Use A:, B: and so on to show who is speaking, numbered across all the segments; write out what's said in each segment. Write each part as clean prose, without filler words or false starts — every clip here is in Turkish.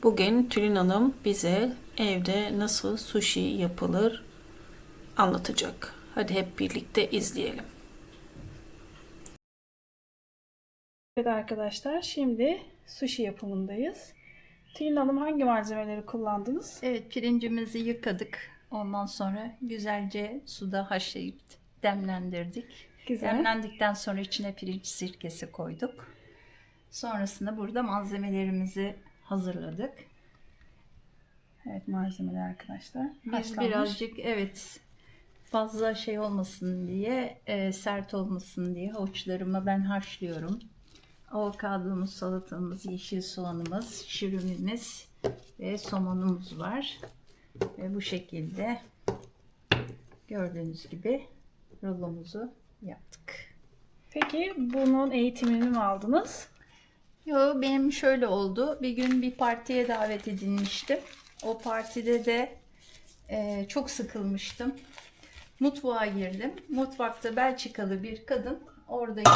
A: Bugün Tülin Hanım bize evde nasıl sushi yapılır anlatacak. Hadi hep birlikte izleyelim. Evet arkadaşlar, şimdi sushi yapımındayız. Tülin Hanım, hangi malzemeleri kullandınız?
B: Evet, pirincimizi yıkadık. Ondan sonra güzelce suda haşlayıp demlendirdik.
A: Güzel.
B: Demlendikten sonra içine pirinç sirkesi koyduk. Sonrasında burada malzemelerimizi hazırladık.
A: Evet, malzemeler arkadaşlar.
B: Biz
A: Haşlanmış.
B: birazcık fazla şey olmasın diye, sert olmasın diye havuçlarımı ben haşlıyorum. Avokadomuz, salatamız, yeşil soğanımız, şirinimiz ve somonumuz var. Ve bu şekilde gördüğünüz gibi rulomuzu yaptık.
A: Peki bunun eğitimini mi aldınız?
B: Yo, benim şöyle oldu. Bir gün bir partiye davet edilmiştim. O partide de çok sıkılmıştım. Mutfağa girdim. Mutfakta Belçikalı bir kadın oradaki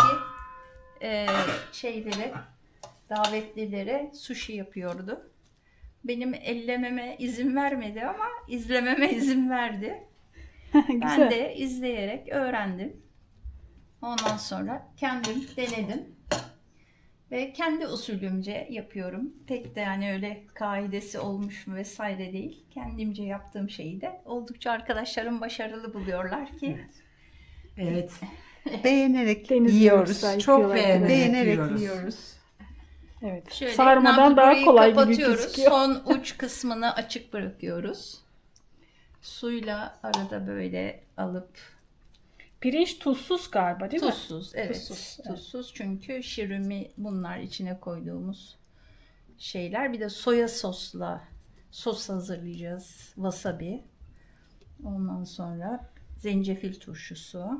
B: davetlilere sushi yapıyordu. Benim ellememe izin vermedi ama izlememe izin verdi. Ben de izleyerek öğrendim. Ondan sonra kendim denedim. Ve kendi usulümce yapıyorum. Pek de yani öyle kaidesi olmuş mu vesaire değil. Kendimce yaptığım şeyi de oldukça arkadaşlarım başarılı buluyorlar ki.
C: Evet. Beğenerek
A: Deniz
C: yiyoruz.
A: yoksa
C: Çok
A: yıkıyorlar.
C: beğenerek yiyoruz.
A: Evet.
B: Şöyle
A: Sarmadan daha
B: burayı
A: kolay gibi
B: kapatıyoruz.
A: gözüküyor.
B: Son uç kısmını açık bırakıyoruz. Suyla arada böyle alıp
A: Pirinç tuzsuz galiba, değil mi?
B: tuzsuz. Evet.
A: Tuzsuz, evet.
B: Tuzsuz çünkü şirimi bunlar içine koyduğumuz şeyler. Bir de soya sos hazırlayacağız. Wasabi. Ondan sonra zencefil turşusu.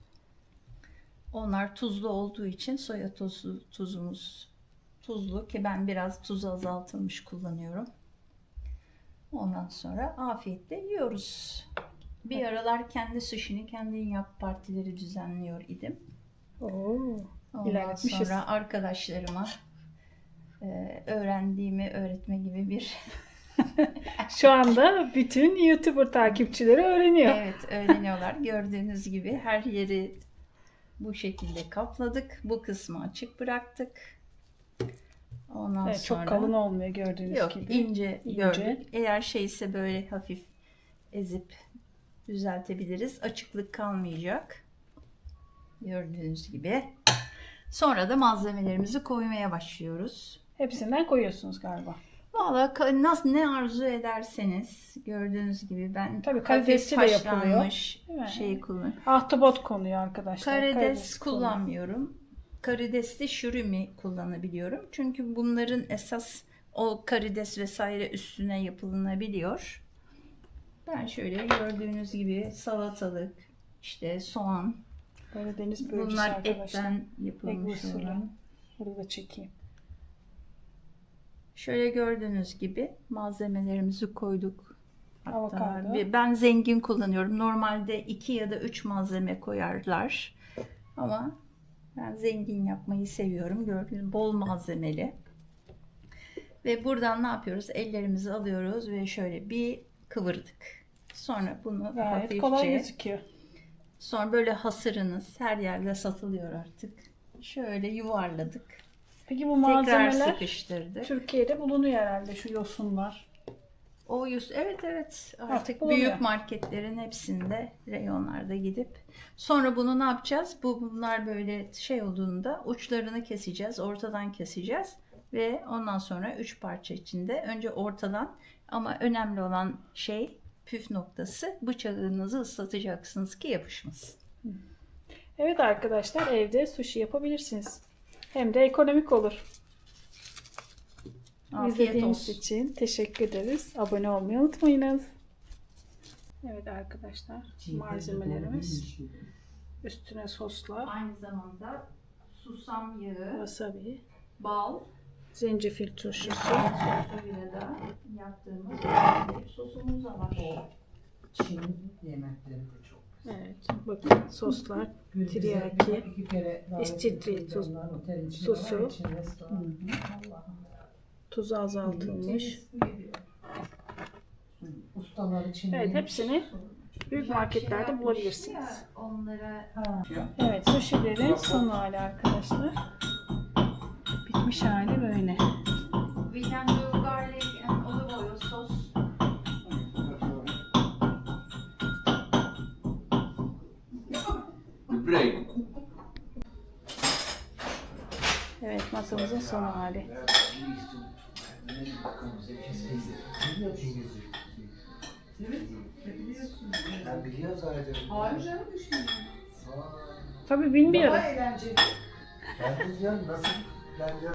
B: Onlar tuzlu olduğu için soya tuzumuz tuzlu ki ben biraz tuzu azaltılmış kullanıyorum. Ondan sonra afiyetle yiyoruz. Bir aralar kendi sushi'ni kendin yap partileri düzenliyor idim.
A: Oo,
B: Ondan
A: ilerletmişiz.
B: sonra arkadaşlarıma öğrendiğimi öğretme gibi bir
A: Şu anda bütün YouTuber takipçileri öğreniyor.
B: evet öğreniyorlar. Gördüğünüz gibi her yeri bu şekilde kapladık. Bu kısmı açık bıraktık. Ondan
A: Evet,
B: sonra
A: çok kalın olmuyor gördüğünüz
B: yok
A: gibi.
B: ince
A: İnce.
B: gördük. Eğer şeyse böyle hafif ezip düzeltebiliriz. Açıklık kalmayacak. Gördüğünüz gibi. Sonra da malzemelerimizi koymaya başlıyoruz.
A: Hepsinden koyuyorsunuz galiba.
B: Valla nasıl ne arzu ederseniz gördüğünüz gibi ben
A: Tabii
B: hafif
A: karidesli de yapılıyor,
B: haşlanmış
A: değil mi?
B: şeyi kullanıyorum.
A: Ahtapot konuyor arkadaşlar.
B: Karides
A: konuyor.
B: kullanmıyorum. Karidesli şurimi kullanabiliyorum. Çünkü bunların esas o karides vesaire üstüne yapılabiliyor. Ben şöyle gördüğünüz gibi salatalık, işte soğan,
A: Böyle deniz börülcesi
B: bunlar
A: arkadaşlar.
B: etten yapılmış
A: usulü.
B: olan.
A: Bunu da çekeyim.
B: Şöyle gördüğünüz gibi malzemelerimizi koyduk. Hatta
A: Avokado.
B: ben zengin kullanıyorum. Normalde 2 ya da 3 malzeme koyarlar. Ama ben zengin yapmayı seviyorum. Gördüğünüz bol malzemeli. Ve buradan ne yapıyoruz? Ellerimizi alıyoruz ve şöyle bir kıvırdık. Sonra bunu
A: Gayet kolay
B: hafifçe,
A: gözüküyor.
B: sonra böyle hasırınız her yerde satılıyor artık. Şöyle yuvarladık.
A: Peki bu
B: Tekrar
A: malzemeler
B: sıkıştırdık.
A: Türkiye'de bulunuyor herhalde, şu yosunlar.
B: Evet artık
A: bulunuyor.
B: büyük marketlerin hepsinde reyonlarda gidip sonra bunu ne yapacağız? Bunlar böyle şey olduğunda uçlarını keseceğiz, ortadan keseceğiz ve ondan sonra 3 parça içinde önce ortadan, ama önemli olan şey, püf noktası, bıçağınızı ıslatacaksınız ki yapışmasın.
A: Evet arkadaşlar, evde sushi yapabilirsiniz. Hem de ekonomik olur.
B: Afiyet
A: İzlediğiniz
B: olsun.
A: için teşekkür ederiz. Abone olmayı unutmayınız. Evet arkadaşlar, malzemelerimiz, üstüne soslar,
B: Aynı zamanda susam yağı,
A: wasabi,
B: bal,
A: zencefil turşusu.
B: sosuyla da yaptığımız sosumuz da var.
C: Çin yemekleri de çok güzel.
A: Evet, bakın soslar,
C: Bize
A: teriyaki,
C: iki kere davet
A: İstiridye
C: edildi onlar, otelin içinde
A: sosu.
C: var, içinde restoran. Allah'ım.
A: Tuzu azaltılmış.
C: Ustalar için.
A: Evet, hepsini büyük marketlerde bulabilirsiniz.
B: Onlara
A: Evet, sushi'lerin son hali arkadaşlar. Bitmiş hali böyle.
B: we can do garlic and olive oil sauce.
D: Break.
A: Evet, masamızın son hali.
C: Ben biliyorum zaten.
E: Hayır canım düşünüyorum.
A: Tabii bilmiyorum.
E: Daha eğlenceli.
C: Ben de diyorum nasıl ben diyorum